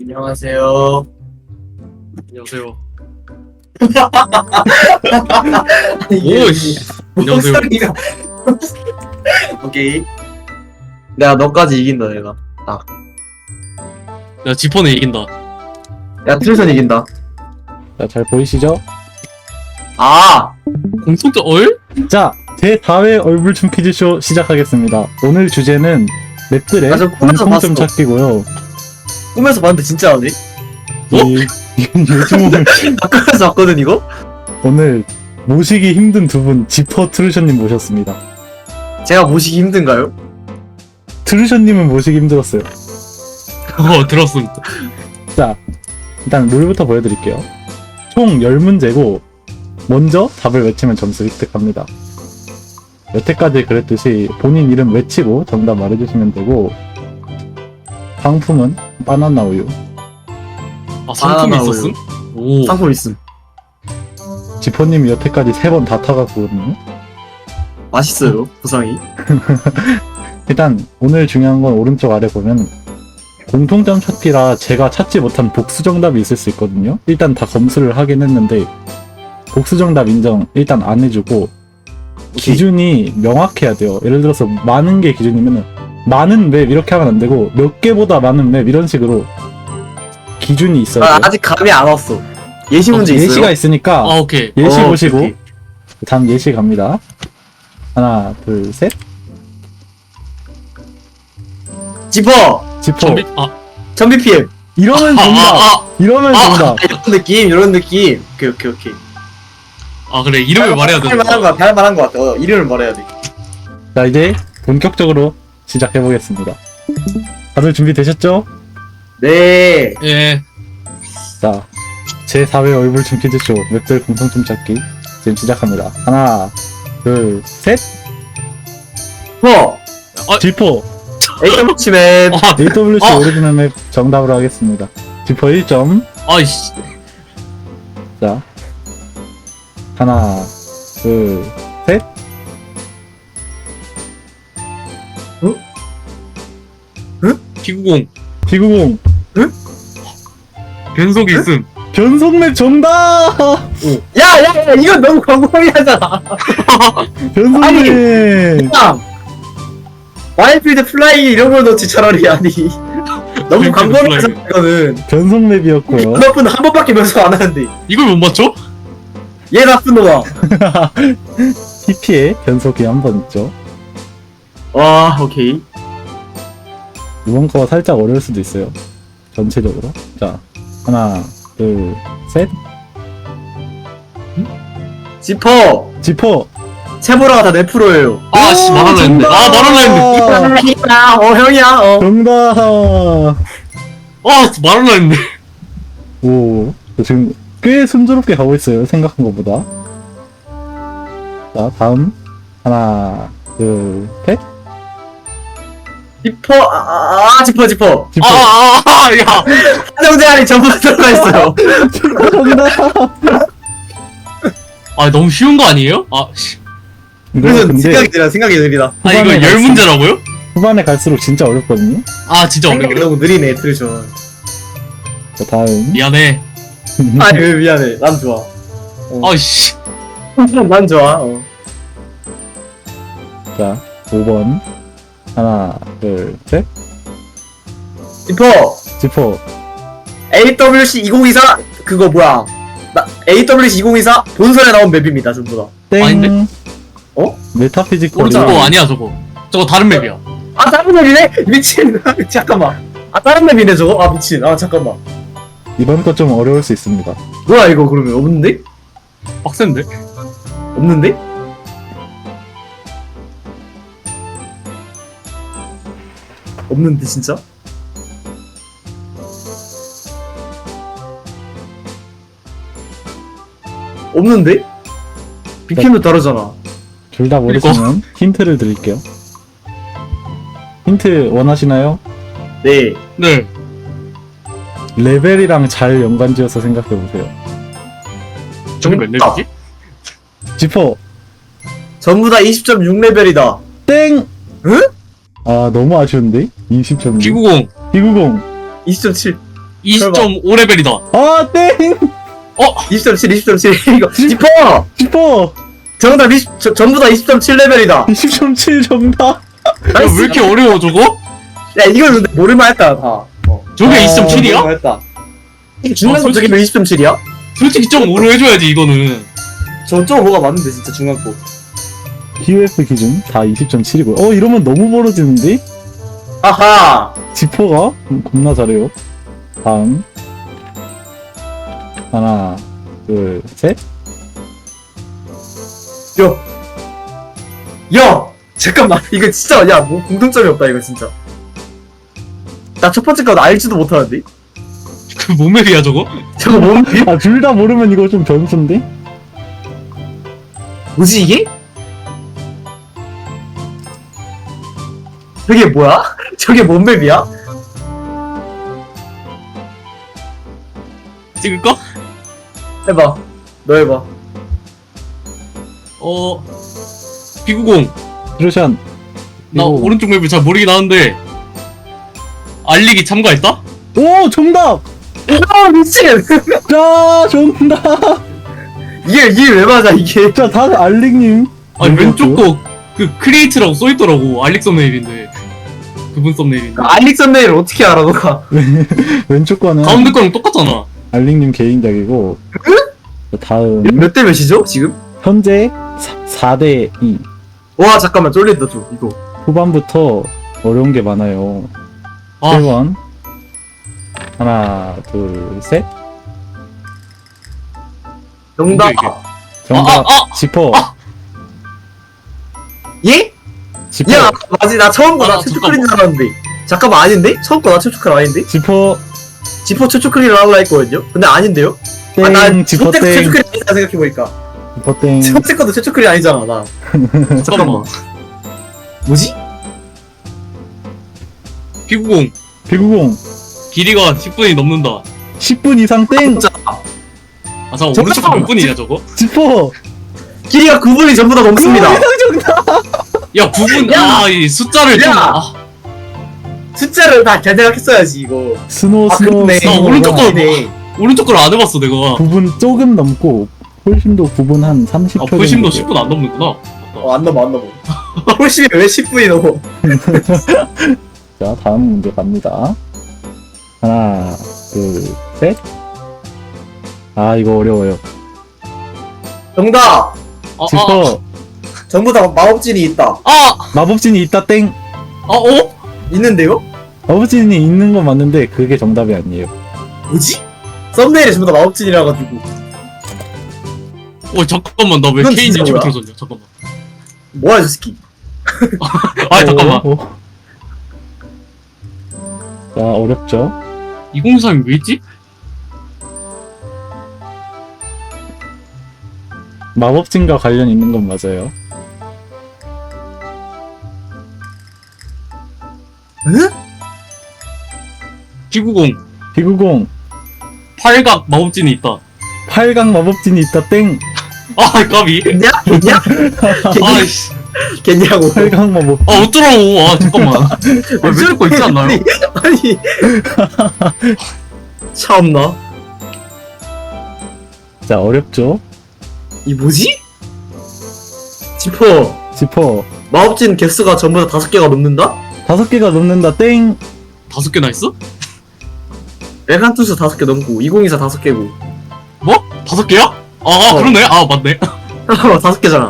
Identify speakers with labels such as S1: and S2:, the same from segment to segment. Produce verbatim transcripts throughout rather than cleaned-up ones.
S1: 안녕하세요.
S2: 안녕하세요.
S1: 오,
S2: 씨. 안녕하세요.
S1: 목소리가. 오케이. 내가 너까지 이긴다, 내가.
S2: 야, 지퍼는 이긴다.
S1: 야, 트루선 이긴다.
S3: 자, 잘 보이시죠?
S1: 아!
S2: 공통점 얼?
S3: 자, 제사 회 얼굴춤 퀴즈쇼 시작하겠습니다. 오늘 주제는 맵들의
S1: 아, 저 꿈에서
S3: 공통점
S1: 봤어.
S3: 찾기고요.
S1: 꿈에서 봤는데 진짜 하네?
S3: 이, 이건 요즘 오늘,
S1: 나 꿈에서 봤거든, 이거?
S3: 오늘 모시기 힘든 두 분, 지퍼 트루션님 모셨습니다.
S1: 제가 모시기 힘든가요?
S3: 트루션님은 모시기 힘들었어요.
S2: 어, 들었음.
S3: 자, 일단 룰부터 보여드릴게요. 총 열 문제고, 먼저 답을 외치면 점수 획득합니다. 여태까지 그랬듯이 본인 이름 외치고 정답 말해주시면 되고, 상품은 바나나 우유.
S2: 아, 상품이
S1: 바나나
S2: 있었음? 오.
S1: 상품 있음.
S3: 지퍼님이 여태까지 세 번 다 타갔거든요.
S1: 맛있어요, 보상이.
S3: 일단 오늘 중요한 건 오른쪽 아래 보면 공통점 찾기라 제가 찾지 못한 복수 정답이 있을 수 있거든요. 일단 다 검수를 하긴 했는데 복수 정답 인정 일단 안 해주고 기준이 명확해야 돼요. 예를 들어서 많은 게 기준이면은 많은 맵 이렇게 하면 안 되고 몇 개보다 많은 맵 이런 식으로 기준이 있어야
S1: 아,
S3: 돼요.
S1: 아직 감이 안 왔어. 예시 문제 있어요?
S3: 예시가 있으니까
S2: 아, 오케이.
S3: 예시
S1: 어,
S3: 보시고
S1: 오케이.
S3: 다음 예시 갑니다. 하나 둘 셋.
S1: 지퍼!
S3: 지퍼
S2: 전비, 아,
S1: 전비 피엠.
S3: 이러면
S2: 아,
S3: 정답.
S2: 아,
S3: 이러면
S2: 아,
S3: 정답.
S1: 이런 느낌, 이런 느낌. 오케이, 오케이, 오케이.
S2: 아, 그래. 이름을 말해야 돼.
S1: 할 만한 거 같아, 할 만한 거 같아. 어, 이름을 말해야 돼.
S3: 자, 이제 본격적으로 시작해 보겠습니다. 다들 준비되셨죠?
S1: 네.
S2: 예.
S3: 자, 제사 회 얼굴춤 퀴즈쇼 맵들 공통점 찾기 지금 시작합니다. 하나, 둘, 셋.
S1: 퍼!
S3: 지퍼
S1: 에이더블 치맨.
S2: 아,
S3: 에이더블유씨
S2: 어.
S3: 오리지널 맵 정답으로 하겠습니다. 지퍼 일 점.
S2: 아이씨.
S3: 자, 하나, 둘, 셋.
S2: 피구공.
S3: 피구공
S2: 변속이 있음.
S3: 변속 맵 정답.
S1: 야, 야, 야, 이건 너무 광범위하잖아.
S3: 변속
S1: 아니.
S3: 맵.
S1: 야! 와일드필드 플라이 이런 걸 넣지, 차라리. 아니. 너무
S2: 와일드필드
S1: 광범위하잖아, 이거는.
S3: 변속 맵이었고요.
S1: 너분 한 번밖에 면서 안 하는데.
S2: 이걸 못 맞춰?
S1: 얘 나쁜 놈아.
S3: 티피에 변속이 한 번 있죠.
S1: 와, 오케이.
S3: 이번 거 살짝 어려울 수도 있어요. 전체적으로. 자, 하나, 둘, 셋.
S1: 지퍼!
S3: 지퍼.
S1: 채보라가 다 내 프로예요.
S2: 아, 씨, 말하려 했는데. 아, 말하려 했는데.
S1: 형이야, 어, 형이야, 어.
S3: 정답.
S2: 아, 말하려 했는데.
S3: 오, 저 지금 꽤 순조롭게 가고 있어요. 생각한 것보다. 자, 다음. 하나, 둘, 셋.
S1: 지퍼, 아, 아, 아, 지퍼, 지퍼.
S3: 지퍼.
S2: 아, 아, 아, 야.
S1: 한정제 안에 전부 다 들어가 있어요.
S3: 정답.
S2: 아, 너무 쉬운 거 아니에요? 아, 씨.
S3: 이거
S1: 그래서
S3: 근데
S1: 생각이 들어, 생각이 느리다.
S2: 아, 이거
S3: 후반에
S2: 열
S3: 갈수록-
S2: 문제라고요?
S3: 후반에 갈수록 진짜 어렵거든요.
S2: 아, 진짜
S1: 생각이
S2: 어렵네.
S1: 너무 느리네, 트루션.
S3: 자, 다음.
S2: 미안해.
S1: 아니, 왜 미안해. 난 좋아. 어.
S2: 아이씨.
S1: 난 좋아, 어.
S3: 자, 오 번. 하나, 둘, 셋.
S1: 지퍼!
S3: 지퍼.
S1: 에이더블유씨 이천이십사, 그거 뭐야. 나, 에이더블유씨 이천이십사 본선에 나온 맵입니다, 전부 다.
S3: 땡.
S2: 아닌데?
S1: 어?
S3: 메타피지컬.
S2: 어, 저거 아니야, 저거. 저거 다른 맵이야.
S1: 아, 다른 맵이네? 미친. 잠깐만. 아, 다른 맵이네, 저거? 아, 미친. 아, 잠깐만.
S3: 이번 거 좀 어려울 수 있습니다.
S1: 뭐야, 이거, 그러면? 없는데?
S2: 빡센데?
S1: 없는데? 없는데, 진짜? 없는데? 비피엠도 다르잖아.
S3: 둘 다 모르시면 힌트를 드릴게요. 힌트 원하시나요?
S1: 네.
S2: 네.
S3: 레벨이랑 잘 연관지어서 생각해보세요.
S2: 저게 몇 렙이지?
S3: 지퍼.
S1: 전부 다 이십 점 육 레벨이다.
S3: 땡!
S1: 응?
S3: 아, 너무 아쉬운데? 이십 점.
S2: 피구공.
S3: 비구공.
S1: 이십 점 칠.
S2: 이십 점 오 레벨이다.
S3: 아, 땡!
S1: 이십 점 칠, 이십 점 칠. 이거 지퍼!
S3: 슈퍼!
S1: 정답 이십, 저, 전부 다 이십 점 칠 레벨이다.
S3: 이십 점 칠 정답!
S2: 야, 왜 이렇게 어려워 저거?
S1: 야, 이걸 근데 모를만 했다, 다. 어.
S2: 저게
S3: 아,
S2: 이십 점 칠이야?
S1: 모를만 했다. 이게 중간고
S2: 솔직히-
S1: 저게 왜 이십 점 칠이야?
S2: 솔직히 점 오로 해줘야지 이거는.
S1: 저점 오가 맞는데, 진짜 중간고.
S3: 피오에프 기준 다 이십 점 칠이고요. 어, 이러면 너무 멀어지는데?
S1: 아하!
S3: 지퍼가 음, 겁나 잘해요. 다음. 하나, 둘, 셋.
S1: 야! 야! 잠깐만, 이거 진짜, 야, 뭐, 공통점이 없다, 이거 진짜. 나 첫 번째 거 알지도 못하는데?
S2: 그 몸맵이야 저거?
S1: 저거 뭔,
S3: 아, 둘 다 모르면 이거 좀 변수인데?
S1: 뭐지, 이게? 저게 뭐야? 저게 뭔 맵이야?
S2: 찍을까?
S1: 해봐. 너 해봐.
S2: 어 비구공.
S3: 드루샨.
S2: 나
S3: 이거-
S2: 오른쪽 맵을 잘 모르긴 하는데 알리기 참가했다?
S3: 오, 정답!
S1: 아, 미친!
S3: 자, 정답!
S1: 이게, 이게 왜 맞아, 이게.
S3: 자, 다음 알릭님.
S2: 아니
S3: 뭐라고요?
S2: 왼쪽 거 그 크리에이트라고 써있더라고. 알릭 썸네일인데 그분 썸네일인데
S1: 알릭 썸네일을 어떻게 알아, 너가?
S3: 왼쪽 거는
S2: 가운데 거랑 똑같잖아.
S3: 알릭님 개인작이고. 자, 다음.
S1: 몇 대 몇이죠, 지금?
S3: 현재 사 대 이.
S1: 와, 잠깐만, 쫄린다, 좀, 이거.
S3: 후반부터 어려운 게 많아요.
S2: 아
S3: 일 번. 하나, 둘, 셋.
S1: 정답.
S2: 이게?
S3: 정답.
S2: 아, 아, 아!
S3: 지퍼.
S2: 아!
S1: 예?
S3: 지퍼.
S1: 야, 맞지, 나 처음 거
S2: 아,
S1: 나 최초 크린 줄 알았는데. 잠깐만, 아닌데? 처음 거 나 최초 크린 아닌데?
S3: 지퍼.
S1: 지퍼 최초 크린을 하려 했거든요? 근데 아닌데요?
S3: 땡.
S1: 아, 난
S3: 지퍼
S1: 첫째 거 최초
S3: 땡.
S1: 크린 아니다, 생각해보니까.
S3: 지퍼 땡.
S1: 첫 번째 것도 최초 크린 아니잖아, 나. 잠깐만. 뭐지?
S2: 비구공
S3: 비구공.
S2: 길이가 십 분이 넘는다.
S3: 십 분 이상 땡.
S1: 진짜.
S2: 아 잠깐
S1: 잠깐만.
S2: 오른쪽 거 몇 분이냐 저거?
S3: 지퍼.
S1: 길이가 구 분이 전부 다 넘습니다.
S2: 야 구 분.
S1: 야!
S2: 아 이 숫자를 좀.
S1: 야!
S2: 아,
S1: 숫자를 다 잘 생각했어야지, 이거.
S3: 스노
S1: 아,
S3: 스노.
S1: 그렇네.
S3: 스노.
S2: 나 오른쪽 거-
S1: 아니네.
S2: 오른쪽 걸 안 해봤어 내가.
S3: 구 분 조금 넘고 홀심도 구 분 한 삼십
S2: 아
S3: 초
S2: 훨씬도
S3: 정도
S2: 십 분 안 넘는구나.
S1: 어, 안 넘어, 안 넘어. 훨씬 왜 십 분이 넘어?
S3: 자, 다음 문제 갑니다. 하나, 둘, 셋. 아, 이거 어려워요.
S1: 정답!
S2: 아, 아,
S3: 지퍼.
S1: 전부 다 마법진이 있다.
S2: 아,
S3: 마법진이 있다 땡.
S2: 아, 어?
S1: 있는데요?
S3: 마법진이 있는 건 맞는데 그게 정답이 아니에요.
S1: 뭐지? 썸네일에 전부 다 마법진이라 가지고.
S2: 어 잠깐만 나 왜
S1: 이건
S2: 케인지
S1: 진짜 뭐야?
S2: 지금 졌냐? 잠깐만.
S1: 뭐야, 저 새끼.
S2: 아 잠깐만.
S3: 어, 어. 자, 어렵죠?
S2: 이공삼이 왜 있지?
S3: 마법진과 관련 있는 건 맞아요.
S1: 응?
S2: 비구공
S3: 비구공.
S2: 팔각 마법진이 있다.
S3: 팔강 마법진이 있다 땡.
S2: 아 까비.
S1: 겠냐? 겠냐?
S2: 아이씨.
S1: 겠냐고.
S3: 팔강 마법.
S2: 아 어쩌라고. 아 잠깐만. 아, 왼쪽 거 있지 않나요?
S1: 아니, 아니. 참나.
S3: 자, 어렵죠?
S1: 이 뭐지? 지퍼.
S3: 지퍼.
S1: 마법진 개수가 전부 다 다섯 개가 넘는다?
S3: 다섯 개가 넘는다 땡.
S2: 다섯 개나 있어?
S1: 레간투스 다섯 개 넘고, 이공이사 다섯 개고.
S2: 뭐? 다섯 개야? 아, 아
S1: 어.
S2: 그러네. 아 맞네.
S1: 다섯 개잖아.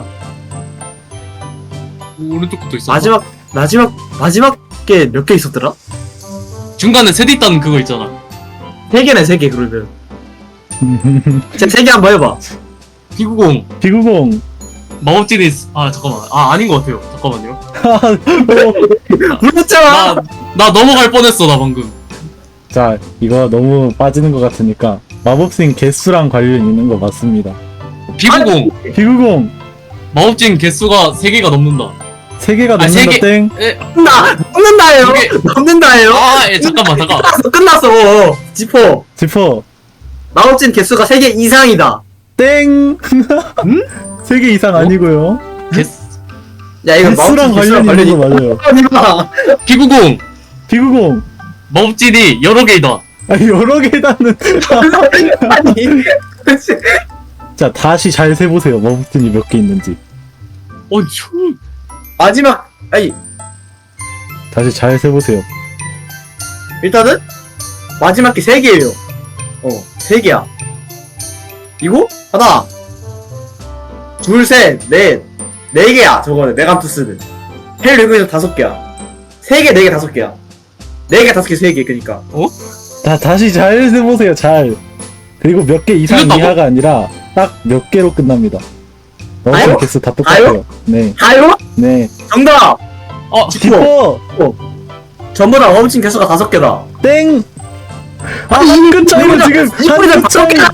S2: 오른쪽 것도 있어.
S1: 마지막, 마지막, 마지막 게 몇 개 있었더라?
S2: 중간에 셋 있다는 그거 있잖아.
S1: 세 개네, 세 개, 그러면. 제가 세 개 한번 해봐.
S2: 비구공
S3: 비구공.
S2: 마법진이 있... 아 잠깐만. 아 아닌 것 같아요. 잠깐만요.
S3: 어.
S1: 그렇잖아!
S2: 나 나 넘어갈 뻔했어 나 방금.
S3: 자, 이거 너무 빠지는 것 같으니까 마법진 개수랑 관련 있는 거 맞습니다.
S2: 비구공
S3: 비구공.
S2: 마법진 개수가 세 개가 넘는다.
S3: 세 개가
S2: 아, 세
S3: 넘는다
S2: 개.
S3: 땡.
S2: 에,
S1: 넘는다! 넘는다예요!
S2: 이게-
S1: 넘는다예요!
S2: 아, 예, 잠깐만 잠깐.
S1: 끝났어, 끝났어! 지퍼.
S3: 지퍼.
S1: 마법진 개수가 세 개 이상이다.
S3: 땡. 세 개 이상
S2: 어?
S3: 아니고요.
S2: 개수
S1: 야, 이거
S3: 개수랑
S1: 마법진
S3: 관련
S1: 개수랑
S3: 있는 거
S1: 관련이
S3: 맞아요.
S1: 있다.
S2: 비구공
S3: 비구공.
S2: 마법진이 여러 개이다.
S3: 아니 여러 계단은
S1: 아니
S3: 자 다시 잘 세보세요. 머브튼이 몇 개 있는지.
S2: 어, 형.
S1: 마지막 아니
S3: 다시 잘 세보세요.
S1: 일단은 마지막 게 세 개예요. 어, 세 개야. 이거 하나, 둘, 셋, 넷, 네 개야. 저거는 메간투스는 헬 리그에서 다섯 개야. 세 개, 네 개, 다섯 개야. 네 개, 다섯 개, 세 개. 그러니까.
S3: 다 다시 잘 세보세요. 잘. 그리고 몇 개 이상
S2: 틀렸다고?
S3: 이하가 아니라 딱 몇 개로 끝납니다.
S1: 아요?
S3: 머브튼 개수 다 똑같아요. 네,
S1: 다요?
S3: 네.
S1: 정답.
S2: 어,
S3: 지퍼
S1: 전부 다 멈춘 개수가 다섯 개다.
S3: 땡. 아,
S1: 아니,
S3: 한 끗 차이로
S1: 이거보다-
S3: 지금
S1: 이거보다
S3: 한 끗
S1: 다섯
S3: 차이.
S1: 개가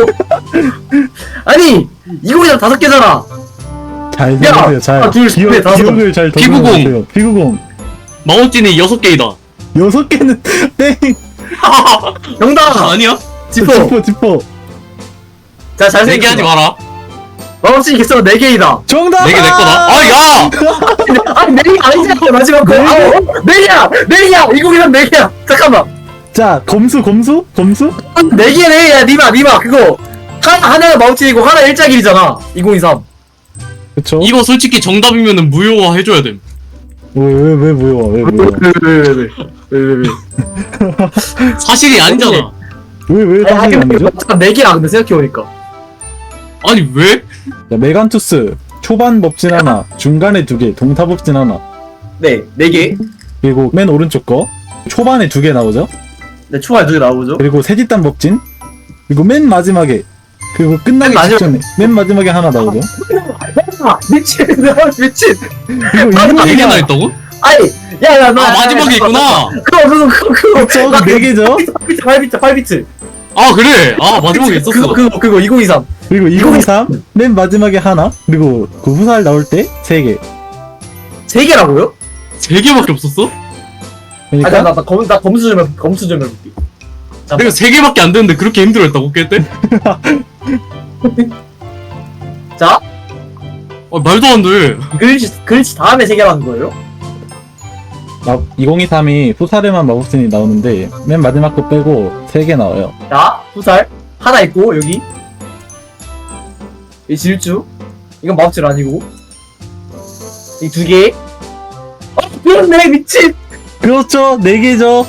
S1: 아니 이거보다 다섯 개잖아.
S3: 잘
S1: 야,
S3: 세보세요. 잘.
S1: 하나, 둘, 셋,
S3: 기억,
S1: 넷, 다섯.
S3: 기억을 잘
S2: 피구공.
S3: 더듬어보세요. 피구공.
S2: 마법진이 여섯 개이다.
S3: 여섯 개는 땡.
S1: 정답.
S2: 아니야?
S1: 지퍼.
S3: 지퍼 지퍼.
S1: 자, 잘
S2: 네 개 하지 마라.
S1: 마법진 개수가 네 개이다.
S3: 정답.
S2: 네 개 내 거다. 아, 야!
S1: 아니 네 개가 아니잖아. 마지막 거.
S3: 네 개?
S1: 아, 어? 네 개야. 네 개야. 이거기는 네 개야. 잠깐만.
S3: 자 검수 검수 검수.
S1: 네 개네. 야, 니마, 니마. 그거 하나 하나가 마법진이고 하나 일자길이잖아. 이공이삼.
S3: 그쵸?
S2: 이거 솔직히 정답이면은 무효화 해줘야 됨.
S3: 왜왜왜 뭐야 왜 뭐야
S1: 왜왜왜왜왜왜
S2: 사실이 아니잖아.
S3: 왜왜 당연히 아니죠?
S1: 네 개야. 근데 생각해보니까.
S2: 아니, 왜?
S3: 자, 메간투스 초반 법진 하나, 중간에 두 개, 동타 법진 하나,
S1: 네, 네 개.
S3: 그리고 맨 오른쪽 거 초반에 두 개 나오죠?
S1: 네, 초반에 두 개 나오죠.
S3: 그리고 세뒷단 법진, 그리고 맨 마지막에 그리고 끝나기
S1: 맨 마지막-
S3: 직전에 맨 마지막에 하나 나오죠?
S1: 아, 미친. 미친.
S3: 그리고
S1: 마지막에
S2: 네 개나
S3: 이거가
S2: 했다고?
S1: 아니, 야, 야, 나.
S2: 아, 마지막에 있구나.
S1: 그거, 그거, 그거, 그거.
S3: 그쵸? 네 개죠?
S1: 팔 비트, 팔 비트, 팔 비트.
S2: 아, 그래? 아, 마지막에
S1: 그거,
S2: 있었어.
S1: 그거, 그거, 이공이삼.
S3: 그리고 이공이삼 맨 마지막에 하나, 그리고 그 후살 나올 때 세 개.
S1: 세 개라고요?
S2: 세 개밖에 없었어?
S1: 아,
S3: 그러니까
S1: 나, 나, 나, 검, 나 검수 좀, 해, 검수 좀 해볼게.
S2: 내가 세 개밖에 안 되는데 그렇게 힘들어했다고, 깰 때?
S1: 자,
S2: 아, 말도 안 돼.
S1: 글씨, 글씨 다음에 세 개라는 거예요?
S3: 마, 이공이삼이 후살에만 마법진이 나오는데 맨 마지막 거 빼고 세 개 나와요.
S1: 자, 후살. 하나 있고, 여기. 이 질주. 이건 마법질 아니고. 이 두 개. 어, 그렇네, 미친!
S3: 그렇죠, 네 개죠.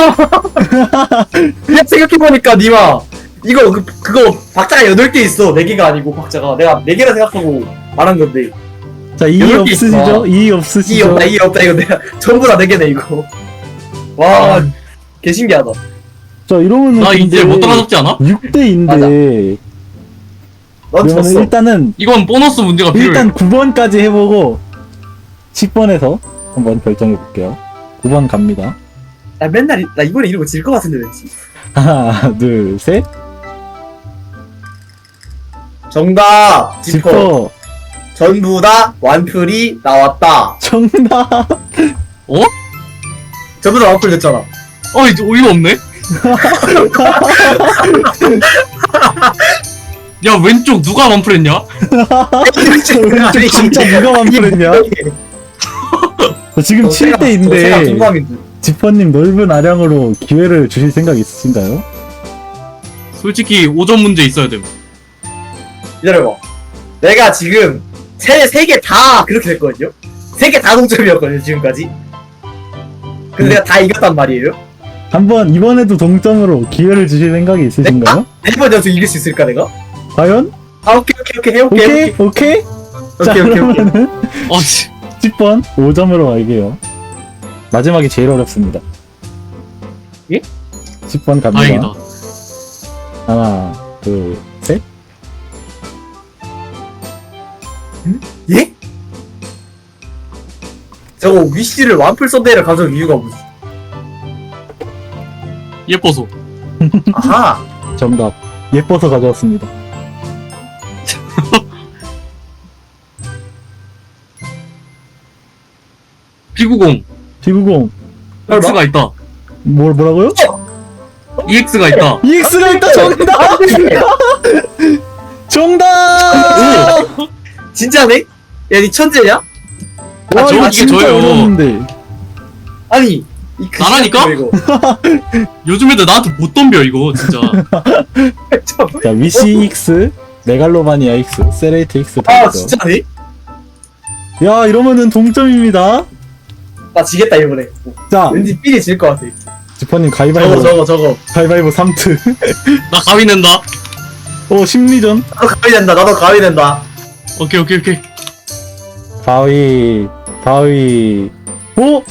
S1: 그냥 생각해보니까, 니마. 이거, 그, 그거, 박자가 여덟 개 있어. 네 개가 아니고, 박자가. 내가 네 개라 생각하고 말한 건데.
S3: 자, 이의
S1: 여덟 개
S3: 없으시죠?
S1: 있어.
S3: 이의
S1: 이
S3: 없으시죠?
S1: 없다, 이 없다, 이거 내가. 전부 다 네 개네, 이거. 와, 개 신기하다.
S3: 자, 이러면은
S2: 나 이제
S3: 근데
S2: 못 따라잡지 않아?
S3: 육 대인데
S1: 넌
S3: 그러면
S1: 졌어.
S3: 일단은
S2: 이건 보너스 문제가 필요해.
S3: 일단 구 번까지 해보고 십 번에서 한번 결정해볼게요. 구 번 갑니다.
S1: 나 맨날, 이- 나 이번에 이러고 질 것 같은데, 왠지.
S3: 하나, 둘, 셋.
S1: 정답! 지퍼.
S3: 지퍼.
S1: 전부 다 완풀이 나왔다.
S3: 정답.
S2: 어?
S1: 전부 다 완풀 됐잖아.
S2: 어, 이제 어이가 없네? 야, 왼쪽 누가 만풀했냐?
S3: 왼쪽 진짜 누가 완풀했냐? 자, 지금 칠 대인데
S1: 동감인데.
S3: 지퍼님 넓은 아량으로 기회를 주실 생각 있으신가요?
S2: 솔직히 오 점 문제 있어야 됨.
S1: 기다려봐. 내가 지금 세, 세 개 다 그렇게 됐거든요? 세 개 다 동점이었거든요, 지금까지. 근데
S3: 음.
S1: 내가 다 이겼단 말이에요?
S3: 한번 이번에도 동점으로 기회를 주실 생각이 있으신가요?
S1: 네 번 연속 이길 수 있을까, 내가?
S3: 과연?
S1: 아, 오케이, 오케이, 오케이, 해볼게,
S3: 오케이?
S1: 해볼게.
S3: 오케이? 자,
S1: 오케이, 오케이, 오케이.
S3: 그러면은
S2: 아, 씨.
S3: 십 번 오 점으로 갈게요. 마지막이 제일 어렵습니다.
S1: 예?
S3: 십 번 갑니다.
S2: 다행이다.
S3: 하나, 둘, 셋.
S1: 예? 저거 위시를 완풀 썬데이를 가져온 이유가 뭐지?
S2: 예뻐서.
S1: 아하!
S3: 정답. 예뻐서 가져왔습니다.
S2: 피구공.
S3: 피구공.
S2: X가 있다.
S3: 뭘, 뭐라고요?
S2: 이엑스가 있다.
S3: 이엑스가 있다! 정답! 정답!
S1: 진짜네? 야, 니 천재냐?
S3: 와,
S2: 저-
S3: 이거
S2: 이게
S3: 진짜
S2: 저예요.
S3: 어려웠는데.
S1: 아니, 이 그
S2: 나라니까?
S1: 시간 이거.
S2: 요즘 애들 나한테 못 덤벼 이거 진짜.
S3: 자, 위시 X, 메갈로마니아 X, 세레이트 X 다
S1: 아
S3: 있어.
S1: 진짜네?
S3: 야, 이러면은 동점입니다.
S1: 나 지겠다 이번에.
S3: 자,
S1: 왠지 삘이 질 것 같아.
S3: 지퍼님
S1: 저거
S3: 가위바위보,
S1: 저거 저거.
S3: 가위바위보 삼 트.
S2: 나 가위 낸다.
S3: 오, 심리전.
S1: 나도 가위 된다. 나도 가위 된다.
S2: 오케이 오케이 오케이.
S3: 가위, 가위, 오!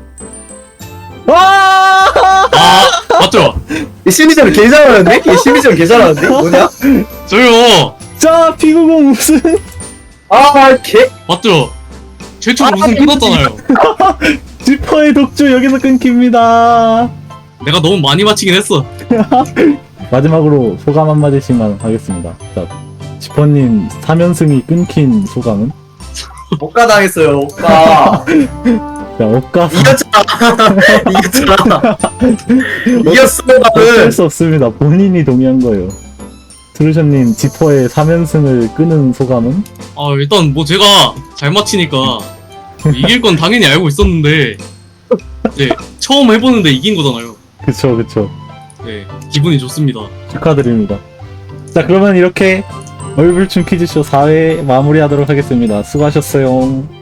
S3: 와!
S2: 아 맞죠?
S1: 이 심리전 개 잘하는데? 이 심리전 개 잘하는데? 뭐냐?
S2: 저요.
S3: 자, 피구공 우승.
S1: 아 개.
S2: 맞죠? 최초로
S1: 아,
S2: 우승 끊었잖아요.
S3: 지퍼의 독주 여기서 끊깁니다.
S2: 내가 너무 많이 맞히긴 했어.
S3: 마지막으로 소감 한마디씩만 하겠습니다. 자, 지퍼님 삼 연승이 끊긴 소감은?
S1: 억가 당했어요. 억가.
S3: 자, 억가
S1: 이겼잖아. 이겼잖아. 이겼어
S3: 어쩔
S1: 나는.
S3: 수 없습니다. 본인이 동의한 거예요. 트루션님 지퍼의 삼 연승을 끄는 소감은?
S2: 아 일단 뭐 제가 잘 맞히니까 이길 건 당연히 알고 있었는데 네 처음 해보는데 이긴 거잖아요.
S3: 그쵸, 그쵸.
S2: 네 기분이 좋습니다.
S3: 축하드립니다. 자, 그러면 이렇게 얼굴춤 퀴즈쇼 사 회 마무리하도록 하겠습니다. 수고하셨어요.